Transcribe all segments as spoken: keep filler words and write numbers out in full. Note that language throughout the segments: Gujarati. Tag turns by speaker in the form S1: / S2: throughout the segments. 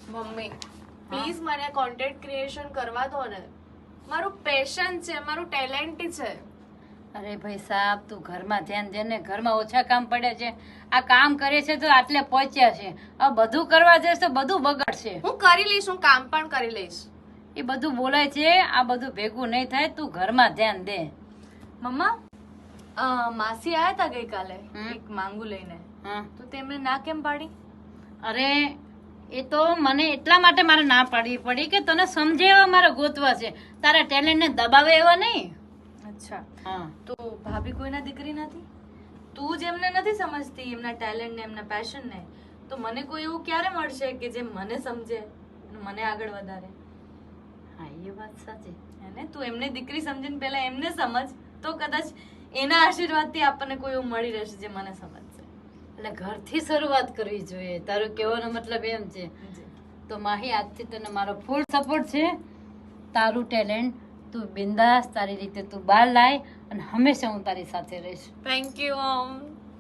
S1: મમ્મી પ્લીઝ મને કોન્ટેન્ટ ક્રિએશન કરવા દો ને, મારું પેશન છે, મારું ટેલેન્ટ છે.
S2: અરે ભાઈ સાહેબ, તું ઘરમાં ધ્યાન દે ને. ઘરમાં ઓછા કામ પડે છે, આ કામ કરે છે તો આટલે પહોંચ્યા છે. આ બધું કરવા જઈશ તો બધું બગડશે.
S1: હું કરી લઈશ, હું કામ પણ કરી લઈશ.
S2: એ બધું બોલાય છે, આ બધું ભેગું નહીં થાય. તું ઘરમાં ધ્યાન દે.
S1: મમ્મા અ, માસી આયા હતા ગઈકાલે
S2: હમ.
S1: એક માંગુ લઈને,
S2: હા,
S1: તો તેમને ના કેમ પાડી?
S2: અરે એ તો મને એટલા માટે મારે ના પાડવી પડી કે તને સમજે એવા મારે ગોતવા છે, તારા ટેલેન્ટ ને દબાવે એવા નહીં.
S1: અચ્છા,
S2: હા,
S1: તો ભાભી કોઈના દીકરી નથી? તું જ એમને નથી સમજતી, એમના ટેલેન્ટ ને એમના પેશન ને, તો મને કોઈ એવું ક્યારે મળશે કે જે મને સમજે અને મને આગળ વધારે?
S2: હા, એ વાત સાચી.
S1: એને તું એમને દીકરી સમજીને પહેલા એમને સમજ, તો કદાચ એના આશીર્વાદથી આપણને કોઈ એવું મળી રહેશે જે મને સમજશે.
S2: એટલે ઘરથી શરૂઆત કરવી જોઈએ, તારો કહેવાનો મતલબ એમ છે.
S1: જી.
S2: તો માહી, આજથી તને મારો ફૂલ સપોર્ટ છે. તારું ટેલેન્ટ તું બિંદાસ તારી રીતે તું બહાર લાય અને હંમેશા હું તારી સાથે રહીશ.
S1: Thank you Om.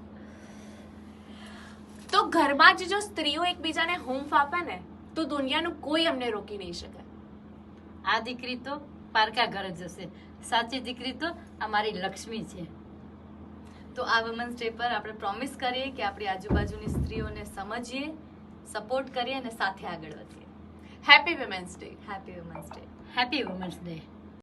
S1: તો ઘરમાં જ જો સ્ત્રીઓ એકબીજાને હૂંફ આપે ને, તો દુનિયાનું કોઈ અમને રોકી નહીં શકે.
S2: આ દીકરી તો પારકા ઘરે જશે, સાચી દીકરી તો આ મારી લક્ષ્મી છે.
S1: તો આ વુમન્સ ડે પર આપણે પ્રોમિસ કરીએ કે આપણી આજુબાજુની સ્ત્રીઓને સમજીએ, સપોર્ટ કરીએ અને સાથે આગળ વધીએ. Happy women's day. Happy women's day.
S2: Happy women's day.